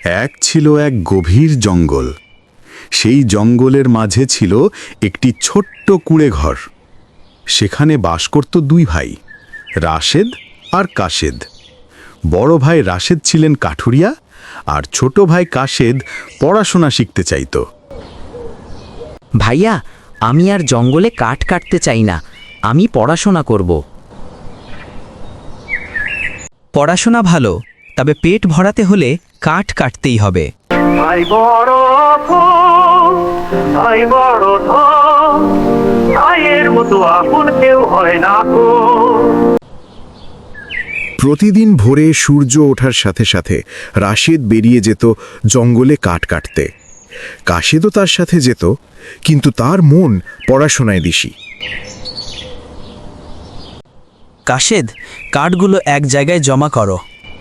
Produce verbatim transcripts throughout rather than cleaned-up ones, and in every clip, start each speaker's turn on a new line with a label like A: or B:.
A: এক ছিল এক গভীর জঙ্গল। সেই জঙ্গলের মাঝে ছিল একটি ছোট্ট কুঁড়ে ঘর। সেখানে বাস করত দুই ভাই, রাশেদ আর কাশেদ। বড় ভাই রাশেদ ছিলেন কাঠুরিয়া, আর ছোট ভাই কাশেদ পড়াশোনা শিখতে চাইত।
B: ভাইয়া, আমি আর জঙ্গলে কাঠ কাটতে চাই না, আমি পড়াশোনা করব।
C: পড়াশোনা ভালো, তবে পেট ভরাতে হলে কাঠ কাটতেই হবে।
D: ভাই বড় ধন, ভাই বড় ধন, ভাইয়ের মতো আপন কেউ হয় না গো।
A: প্রতিদিন ভোরে সূর্য ওঠার সাথে সাথে রাশেদ বেরিয়ে যেত জঙ্গলে কাঠ কাটতে। কাশেদও তার সাথে যেত, কিন্তু তার মন পড়াশোনায় দিশি।
C: কাশেদ, কাঠগুলো এক জায়গায় জমা করো।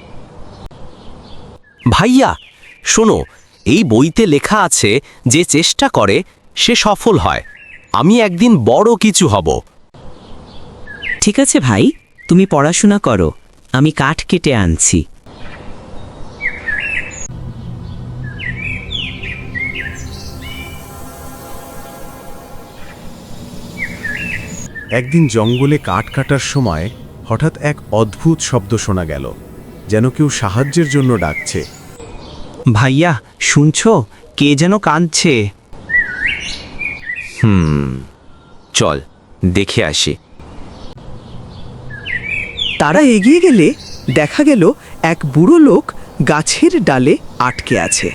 E: ভাইয়া শোনো, এই বইতে লেখা আছে যে চেষ্টা করে সে সফল হয়। আমি একদিন বড় কিছু হব।
B: ঠিক আছে ভাই, তুমি পড়াশোনা করো, আমি কাঠ কেটে আনছি।
A: একদিন জঙ্গলে কাঠ কাটার সময় হঠাৎ এক অদ্ভুত শব্দ শোনা গেল, যেন কেউ সাহায্যের জন্য ডাকছে।
C: ভাইয়া শুনছো, কে যেন কাঁদছে।
E: হুম চল দেখে আসি।
F: তারা এগিয়ে গেলে দেখা গেল এক বুড়ো লোক গাছের ডালে আটকে আছে।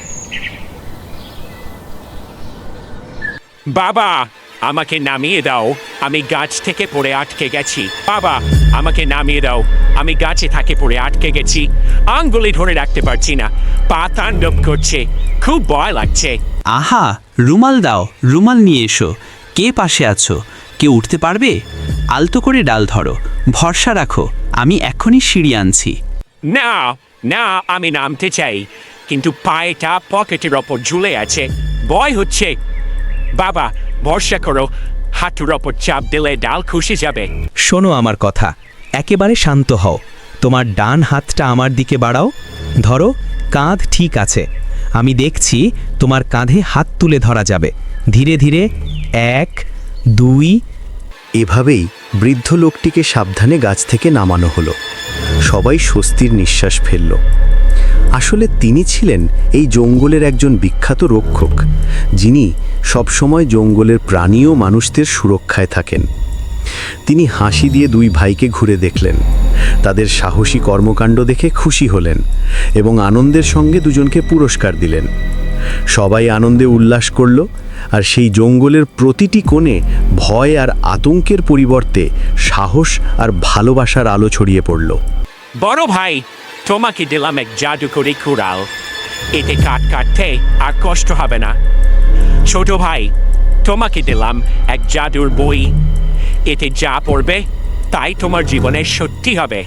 G: বাবা, আমাকে নামিয়ে দাও, আমি গাছ থেকে পড়ে আটকে গেছি। বাবা, আমাকে নামিয়ে দাও, আমি গাছে থাকে পড়ে আটকে গেছি। আঙ্গুলি ধরে রাখতে পারছি না, পা তাণ্ডব করছে, খুব ভয় লাগছে।
C: আহা, রুমাল দাও, রুমাল নিয়ে এসো। কে পাশে আছো? কেউ উঠতে পারবে? আলতো করে ডাল ধরো, ভরসা রাখো, আমি এখনই সিঁড়ি আনছি।
G: না না, আমি নামতে চাই, কিন্তু পায়েটা পকেটের ওপর ঝুলে আছে, ভয় হচ্ছে। বাবা, ভরসা করো, হাঁটুর ওপর চাপ দিলে ডাল খসে যাবে।
C: শোনো আমার কথা, একেবারে শান্ত হও। তোমার ডান হাতটা আমার দিকে বাড়াও, ধরো, কাঁধ ঠিক আছে। আমি দেখছি তোমার কাঁধে হাত তুলে ধরা যাবে। ধীরে ধীরে, এক, দুই।
H: এভাবেই বৃদ্ধ লোকটিকে সাবধানে গাছ থেকে নামানো হলো। সবাই স্বস্তির নিঃশ্বাস ফেলল। আসলে তিনি ছিলেন এই জঙ্গলের একজন বিখ্যাত রক্ষক, যিনি সবসময় জঙ্গলের প্রাণী ও মানুষদের সুরক্ষায় থাকেন। তিনি হাসি দিয়ে দুই ভাইকে ঘুরে দেখলেন, তাদের সাহসী কর্মকাণ্ড দেখে খুশি হলেন এবং আনন্দের সঙ্গে দুজনকে পুরস্কার দিলেন। সবাই আনন্দে উল্লাস করল, আর সেই জঙ্গলের প্রতিটি কোণে ভয় আর আতঙ্কের পরিবর্তে সাহস আর ভালোবাসার আলো ছড়িয়ে পড়ল।
G: বড় ভাই, তোমাকে দিলাম এক জাদুকরি কুড়াল, এতে কাঠ কাটতে আর কষ্ট হবে না। ছোট ভাই, তোমাকে দিলাম এক জাদুর বই, এতে যা পড়বে তাই তোমার জীবনে সত্যি হবে।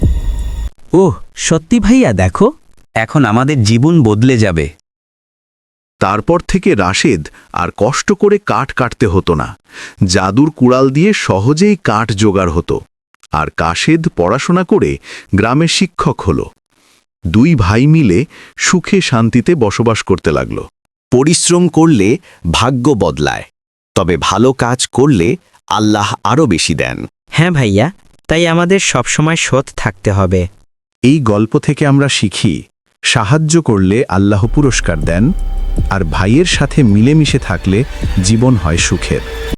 C: ওহ সত্যি ভাইয়া, দেখো, এখন আমাদের জীবন বদলে যাবে।
A: তারপর থেকে রাশেদ আর কষ্ট করে কাঠ কাটতে হতো না। জাদুর কুড়াল দিয়ে সহজেই কাঠ জোগাড় হতো, আর কাশেদ পড়াশোনা করে গ্রামের শিক্ষক হলো। দুই ভাই মিলে সুখে শান্তিতে বসবাস করতে লাগল।
E: পরিশ্রম করলে ভাগ্য বদলায়, তবে ভালো কাজ করলে আল্লাহ আরও বেশি দেন।
B: হ্যাঁ ভাইয়া, তাই আমাদের সবসময় সৎ থাকতে হবে।
A: এই গল্প থেকে আমরা শিখি, সাহায্য করলে আল্লাহ পুরস্কার দেন, আর ভাইয়ের সাথে মিলেমিশে থাকলে জীবন হয় সুখের।